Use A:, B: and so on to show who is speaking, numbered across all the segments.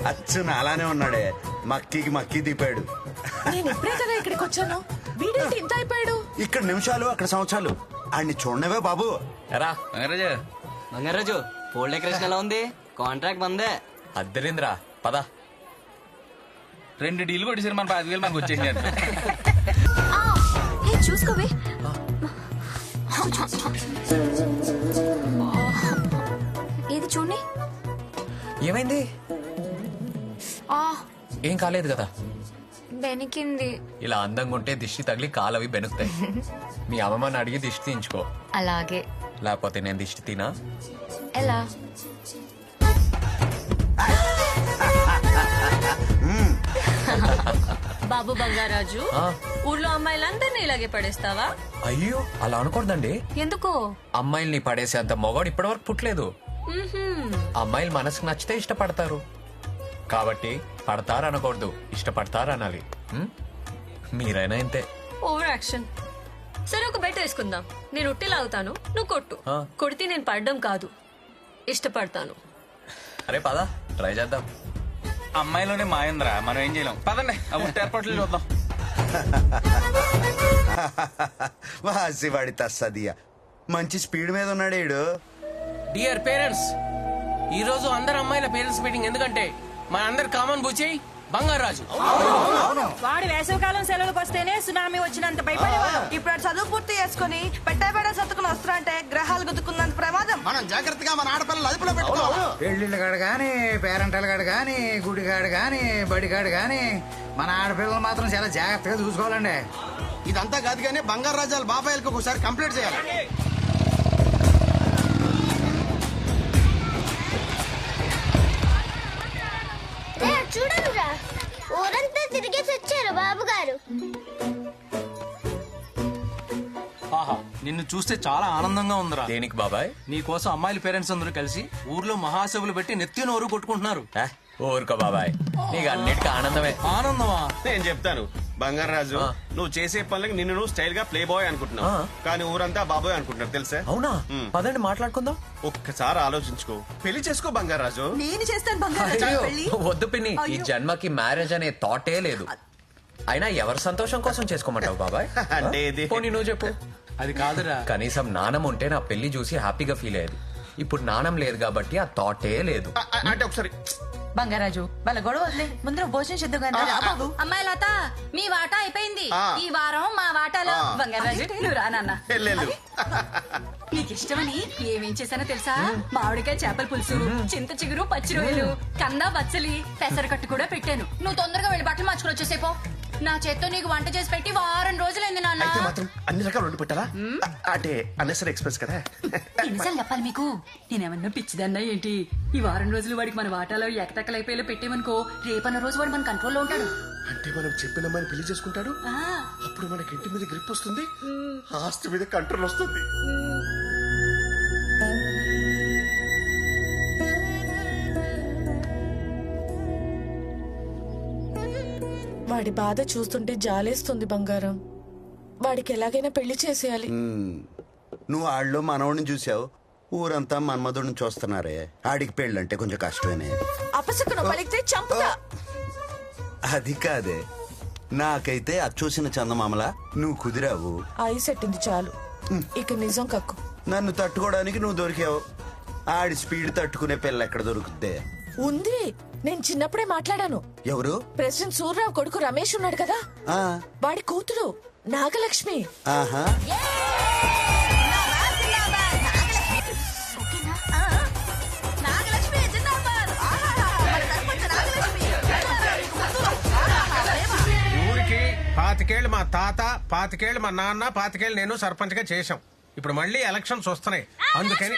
A: అచ్చు అలానే ఉన్నాడే, మక్కికి మక్కి దిపాడు.
B: నేను ఇప్పుడే కదా ఇక్కడికి వచ్చాను, వీడేంటి ఇంత అయిపోయాడు?
A: ఇక్కడ నిమిషాలు అక్కడ సంవత్సరాలు. ఆడిని చూడనవే బాబు.
C: ఎరా
D: బంగారాజు పోల్ డెకరేషన్ ఎలా ఉంది? కాంట్రాక్ట్ మందే.
C: అద్దరింద్రా పద. 2 డీల్ కొట్టేసారు, మన 5,000 మనకు వచ్చేసినారు.
E: చూసుకోవే. ఏది చూడండి.
C: ఏమైంది? ఏం కాలేదు కదా?
E: బెనికింది.
C: ఇలా అందంగా ఉంటే దిష్టి తగిలి కాలవి బెనుకుతాయి. మీ అమ్మమ్మని అడిగి దిష్టి తీయించుకో.
E: అలాగే.
C: లేకపోతే నేను దిష్టి తినా?
E: ఎలా?
F: బాబు బంగారాజు, ఊర్లో అమ్మాయిలందరినీ ఇలాగే పడేస్తావా?
C: అయ్యో అలా అనకూడదండి.
F: ఎందుకో?
C: అమ్మాయిల్ని పడేసేంత మొగాడు ఇప్పటివరకు పుట్టలేదు. అమ్మాయిలు మనసుకు నచ్చితే ఇష్టపడతారు, కాబట్టి పడతారు అనకూడదు, ఇష్టపడతారు అనాలి. మీరైనా ఇంతే.
F: Over action. సరే ఒక బెట్ వేసుకుందాం. నేను ఉట్టి లాగుతాను, నువ్వు కొట్టు. కొడితే నేను పడడం కాదు, ఇష్టపడతాను.
C: అరే పద ట్రై చేద్దాం.
G: అమ్మాయిలోనే మాయంద్రా, మనం ఏం చేయలేం. పదండి ఏర్పాట్లు చూద్దాం.
A: వాసివాడి తస్సదియా మంచి స్పీడ్ మీద ఉన్నాడు ఈడు.
H: డియర్ పేరెంట్స్, ఈ రోజు అందరు అమ్మాయిల పేరెంట్స్ మీటింగ్. ఎందుకంటే మన అందరు కామన్ బుచ్చి బంగారాజు.
I: వాడు వేసవికాలం సెలవులకు వస్తేనే సునామీ వచ్చినంత భయపడేవాడు. ఇప్పుడు చదువు పూర్తి చేసుకుని పెట్టబెడ సత్తుకుని వస్తారంటే గ్రహాలు గుద్దుకున్నంత ప్రమాదం.
A: మనం జాగ్రత్తగా మన ఆడపిల్లలు అదుపులో పెట్టుకోవాలి.
J: పెళ్లిళ్ళ కాడు గాని, పేరెంటల కాడు గాని, గుడిగాడు గాని, బడిగాడు గాని మన ఆడపిల్లలు మాత్రం చాలా జాగ్రత్తగా చూసుకోవాలండి.
A: ఇదంతా కాదు కానీ బంగారు రాజాల బాబాయిలకు ఒకసారి కంప్లీట్ చేయాలి.
E: చూడనురా, ఊరంతా తిరిగేసి వచ్చారు బాబు గారు.
G: ఆహా, నిన్ను చూస్తే చాలా ఆనందంగా ఉందిరా.
C: దేనికి బాబాయ్?
G: నీ కోసం అమ్మాయిల పేరెంట్స్ అందరూ కలిసి ఊర్లో మహాసభలు పెట్టి నెత్తి నోరు కొట్టుకుంటున్నారు.
C: ఊరుకో బాబాయ్, నీకు అన్నిటికీ ఆనందమే.
G: ఆనందమా?
K: నేను చెప్తాను బంగారాజు, నువ్వు చేసే పనులకి నిన్ను నువ్వు స్టైల్ గా ప్లే బాయ్ అనుకుంటున్నావు, కానీ ఊరంతా బాబాయ్ అనుకుంటున్నారు తెలుసా?
C: అవునా? పదండి మాట్లాడుకుందాం.
K: ఒక్కసారి ఆలోచించుకో, పెళ్లి చేసుకో బంగారాజు.
I: నేను చేస్తాను బంగారాజు పెళ్లి.
C: వద్దు పిన్ని, ఈ జన్మకి మ్యారేజ్ అనే థాటే లేదు. అయినా ఎవరి సంతోషం కోసం చేసుకోమంటావు బాబాయ్?
K: అంటే
C: పోనీ నువ్వు చెప్పు.
G: అది కాదురా,
C: కనీసం నాణం ఉంటే నా పెళ్లి చూసి హ్యాపీగా ఫీల్ అయ్యేది. ఇప్పుడు నాణం లేదు కాబట్టి ఆ థాటే లేదు.
K: అంటే ఒకసారి
I: బంగారాజు వాళ్ళ గొడవ వదిలే, ముందు భోజనం చేద్దాం కానీ.
F: అమ్మాయి లత, మీ వాటా అయిపోయింది. ఈ వారం మా వాటాలో. బంగారాజు నువ్వు రానన్నా. నీకు ఇష్టమని ఏమేం చేశానో తెలుసా? మామిడికాయ చేపల పులుసు, చింత చిగురు, పచ్చి రొయ్యలు, కంద బచ్చలి, పెసరకట్టు కూడా పెట్టాను. నువ్వు తొందరగా వెళ్ళి బట్టలు మార్చుకుని వచ్చేసేపో. నా చేత్తో నీకు వంట చేసి పెట్టి వారం రోజులైంది నాన్న.
K: అయితే మాత్రం అన్ని రకాలు వండి పెట్టాలా? అంటే అన్నెసరీ ఎక్స్ప్రెస్ కదా.
F: ఎన్నిసార్లు చెప్పాలి మీకు? నేనేమన్నా పిచ్చిదన్నా ఏంటి? ఈ వారం రోజులు వాడికి మన వాటాలో ఎకటెక్కలైపోయేలా పెట్టేమనుకో, రేపన్న రోజు వాడు మన కంట్రోల్లో ఉంటాడు.
K: అంటే మనం చెప్పిన అమ్మాయిని పెళ్లి చేసుకుంటాడు, అప్పుడు మనకి ఇంటి మీద గ్రిప్ వస్తుంది, ఆస్తి మీద కంట్రోల్ వస్తుంది.
B: వాడి బాధ చూస్తుంటే జాలేస్తుంది బంగారం. వాడికి ఎలాగైనా పెళ్లి చేసేయాలి.
A: నువ్వు ఆళ్ళలో మనవడిని చూసావు, ఊరంతా మన్మధుడిని చూస్తున్నారే. ఆడికి పెళ్ళంటే కొంచెం కష్టమేనే.
B: అపశకునం పలికితే చంపుతా.
A: అది కాదే, నాకైతే అచ్చూసిన చందమామలా నువ్వు కుదిరావు.
B: ఐస్ ఎట్టింది చాలు, ఇక నిజం కక్కు.
A: నన్ను తట్టుకోవడానికి నువ్వు దొరికావు. ఆడి స్పీడ్ తట్టుకునే పిల్ల ఎక్కడ దొరుకుద్దే?
B: ఉంది, నేను చిన్నప్పుడే మాట్లాడాను.
A: ఎవరు?
B: ప్రెసిడెంట్ సూర్యరావు కొడుకు రమేష్ ఉన్నాడు కదా, వాడి కూతురు నాగలక్ష్మి.
A: ఆహా,
H: ఊరికి 25 మా తాత, 25 మా నాన్న, 25 నేను సర్పంచ్ గా చేశాం. ఇప్పుడు మళ్ళీ ఎలక్షన్స్ వస్తున్నాయి, అందుకని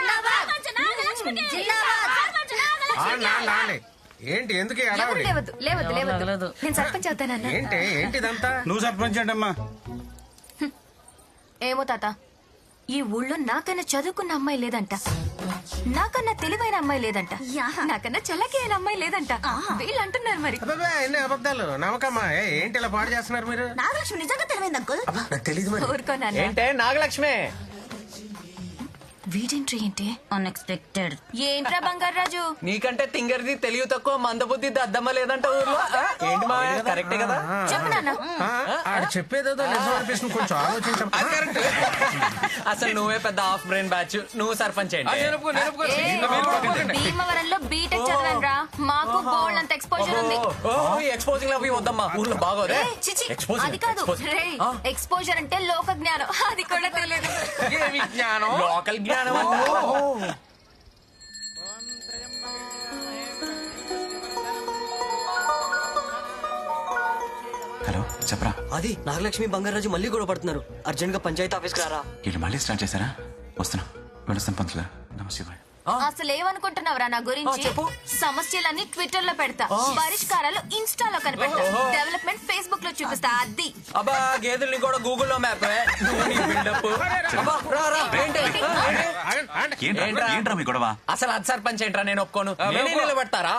H: ఏంటి ఎందుకు
E: నేను సర్పంచ్ అవుతానన్నా.
H: ఏంటిదంతా?
G: నువ్వు సర్పంచ్ అంటమ్మా.
E: ఏమో తాత, ఈ ఊళ్ళో నాకన్నా చదువుకున్న అమ్మాయి లేదంట, నాకన్నా తెలివైన అమ్మాయి లేదంట, నాకన్నా చల్లకి అయిన అమ్మాయి లేదంట. వీళ్ళు అంటున్నారు మరి.
H: ఎన్ని అబద్ధాలు నమ్మకమ్మా. ఏంటి ఇలా పాడు చేస్తున్నారు మీరు?
E: నాగలక్ష్మి నిజంగా తెలివైంది అంకుల్.
H: తెలీదు మరి.
E: ఊరుకోనా?
C: ఏంటే నాగలక్ష్మి?
E: వీడెంట్రీ ఏంటి?
F: అన్ఎక్స్పెక్టెడ్.
E: ఏంట్రా బంగారు రాజు?
C: నీకంటే తింగరిది తెలివి తక్కువ మందబుద్ధి దద్దమ్మ లేదంట ఊర్లో ఆ? ఏంటి మావయ్య కరెక్టే కదా
E: చెప్పు నాన్న.
H: ఆడు చెప్పేదేదో నిజం అనిపిస్తుంది, కొంచెం ఆలోచించండి.
C: అసలు నువ్వే పెద్ద హాఫ్ బ్రెయిన్ బ్యాచ్, నువ్వు సర్పంచ్ ఏంటి
E: భీమవరంలో బీటెక్ చదివానురా. మాకు బోల్డ్ అంత ఎక్స్పోజర్ ఉంది.
C: ఎక్స్పోజింగ్ అవి వద్దమ్మా ఊర్లో బాగోదే
E: ఏయ్, చిచి, అది కాదు. రేయ్, ఎక్స్పోజర్ అంటే లోక జ్ఞానం, అది కూడా తెలియదు.
C: లోకల్ జ్ఞానం.
L: హలో చెప్పరా.
D: అది నాగలక్ష్మి బంగారాజు మళ్ళీ గొడవ పడుతున్నారు. అర్జెంట్ గా పంచాయతీ ఆఫీస్కి రారా.
L: వీళ్ళు మళ్ళీ స్టార్ట్ చేశారా? వస్తున్నా, వెళ్ళొస్తాను పంతులు గారు. నమస్తే.
E: అసలు ఏమనుకుంటున్నావురా నా గురించి? సమస్యలన్నీ ట్విట్టర్ లో పెడతా, పరిష్కారాలు ఇన్స్టాలో కనిపెడతా, డెవలప్మెంట్ ఫేస్బుక్ లో చూపిస్తా. అది
C: అబ్బా గేదెల్ని కూడా గూగుల్లో మ్యాప్.
L: ఏంట్రా మీ గొడవ?
C: అసలు అది సర్పంచ్ ఏంట్రా, నేను ఒప్పుకోను. నేనే నిలబెడతారా?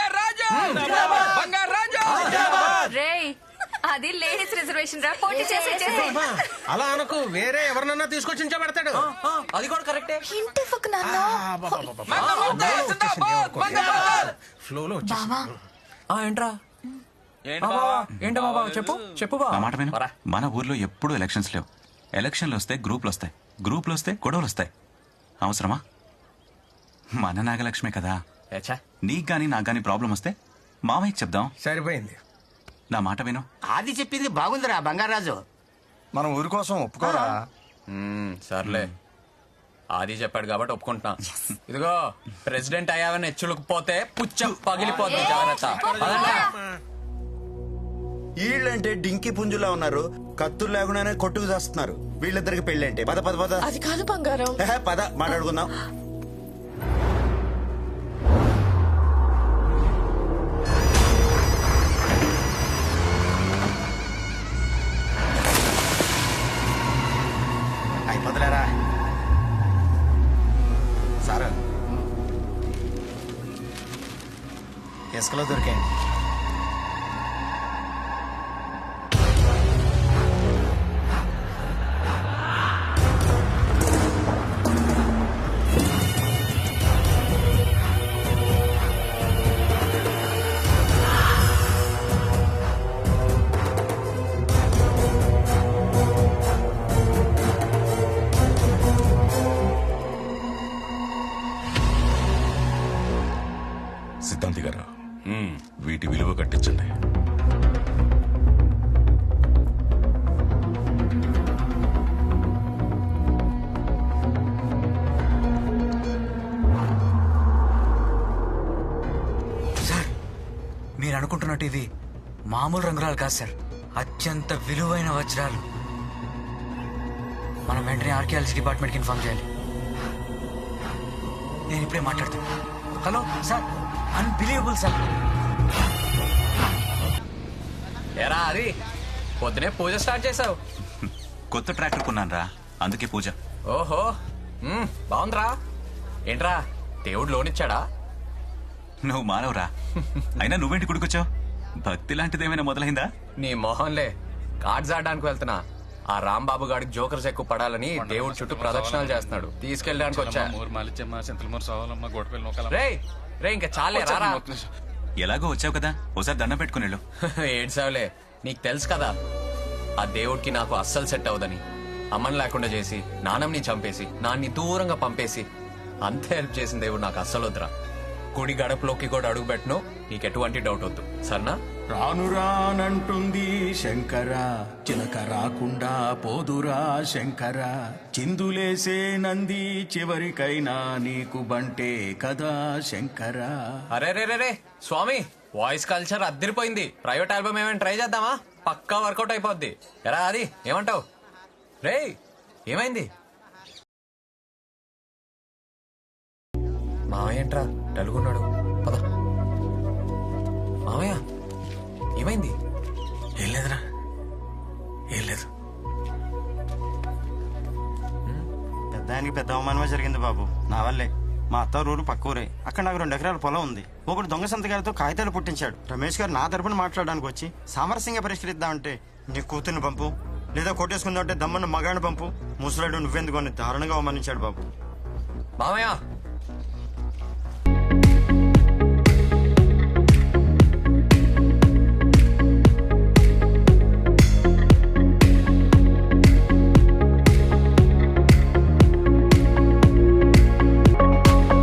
E: రేయ్, అది లేడీస్ రిజర్వేషన్ రా, పోటీ చేసి
H: అలా అనుకు, వేరే ఎవరినన్నా తీసుకొచ్చి పెడతాడు.
C: అది కూడా కరెక్టే.
E: ఇంటి పక్క నాన్న
H: ఫ్లోలో
E: బావా.
C: ఏంట్రా ఏంటో బాబా చెప్పు చెప్పు బా.
L: నా మాట విను. మన ఊర్లో ఎప్పుడూ ఎలక్షన్స్ లేవు. ఎలక్షన్లు వస్తే గ్రూపులు వస్తాయి, గ్రూపులు వస్తే గొడవలు వస్తాయి. అవసరమా? మన నాగలక్ష్మే కదా. నీకు గానీ నాకు గానీ ప్రాబ్లం వస్తే మామయ్యకి చెప్దాం.
H: సరిపోయింది.
L: నా మాట విను.
J: అది చెప్పింది బాగుందిరా బంగారాజు.
A: మనం ఊరి కోసం ఒప్పుకోరా?
C: సర్లే, ఆది చెప్పాడు కాబట్టి ఒప్పుకుంటున్నా. ఇదిగో ప్రెసిడెంట్ అయ్యావని హెచ్చులకు పోతే పుచ్చం పగిలిపోతుంది, జాగ్రత్త.
A: వీళ్ళంటే డింకి పుంజులా ఉన్నారు, కత్తులు లేకుండానే కొట్టుకు చేస్తున్నారు. వీళ్ళిద్దరికి పెళ్ళంటే పద పద పద.
B: అది కాదు బంగారం.
A: పద మాట్లాడుకుందాం. అయిపోతులేరా సార్, ఇసుకలో దొరికాయండి.
M: సిద్ధాంతి గారు, వీటి విలువ కట్టించండి.
J: సార్, మీరు అనుకుంటున్నట్టు ఇది మామూలు రంగురాలు కాదు సార్, అత్యంత విలువైన వజ్రాలు. మనం వెంటనే ఆర్కియాలజీ డిపార్ట్మెంట్కి ఇన్ఫార్మ్ చేయాలి. నేను ఇప్పుడే మాట్లాడతాను. Hello sir, unbelievable sir.
C: ఏరా అది పొద్దునే పూజ స్టార్ట్ చేసావు?
L: కొత్త ట్రాక్టర్ కొన్నాను రా, అందుకే పూజ.
C: ఓహో, బాగుందిరా. ఏంట్రా దేవుడు లోన్ ఇచ్చాడా?
L: నువ్వు మానవురా. అయినా నువ్వేంటి గుడికొచ్చావు? భక్తి లాంటిదేమైనా మొదలైందా?
C: నీ మొహంలే, కార్డ్స్ ఆడడానికి వెళ్తున్నా. ఆ రాంబాబు గాడికి జోకర్స్ ఎక్కువ పడాలని దేవుడు చుట్టూ ప్రదక్షిణాలు చేస్తున్నాడు, తీసుకెళ్ళడానికి వచ్చా. రే ఇంకా చాలే రారా.
L: ఎలాగో వచ్చావు కదా, ఓసారి దండం పెట్టుకుని వెళ్ళు.
C: ఏడ్సావులే, నీకు తెలుసు కదా ఆ దేవుడికి నాకు అస్సలు సెట్ అవదని. అమ్మని లేకుండా చేసి, నాన్నని చంపేసి, నాన్ని దూరంగా పంపేసి అంత హెల్ప్ చేసిన దేవుడు నాకు అస్సలు వద్దురా. గుడి గడపలోకి కూడా అడుగు పెట్టను, నీకు ఎటువంటి డౌట్ వద్దు, సరేనా?
N: రాను రానంటుంది శంకర, చిలక రాకుండా పోదురా శంకర, చిందులేసే నంది చివరికైనా నీకు బంటే కదా శంకర.
C: అరే రే రే స్వామి, వాయిస్ కల్చర్ అద్దరిపోయింది. ప్రైవేట్ ఆల్బమ్ ఏమైనా ట్రై చేద్దామా? పక్కా వర్కౌట్ అయిపోద్ది. ఎరా అది ఏమంటావు? రే ఏమైంది? మావయ్య ఏంట్రా డల్గున్నాడు? పద. మావయ్య ఏమైంది?
J: ఏం లేదురా, ఏం లేదు.
O: పెద్దానికి పెద్ద అవమానమే జరిగింది బాబు, నా వల్లే. మా అత్తారూరు పక్క ఊరే, అక్కడ నాకు 2 ఎకరాల పొలం ఉంది. ఒకడు దొంగ సంతకాలతో కాగితాలు పుట్టించాడు. రమేష్ గారు నా తరపున మాట్లాడడానికి వచ్చి సామరస్యంగా పరిష్కరిద్దామంటే నీ కూతుర్ని పంపు, లేదా కొట్టేసుకుందామంటే దమ్మన్న మగాడిని పంపు, ముసలాడు నువ్వెందుకు అని దారుణంగా అవమానించాడు బాబు.
C: మామయ్య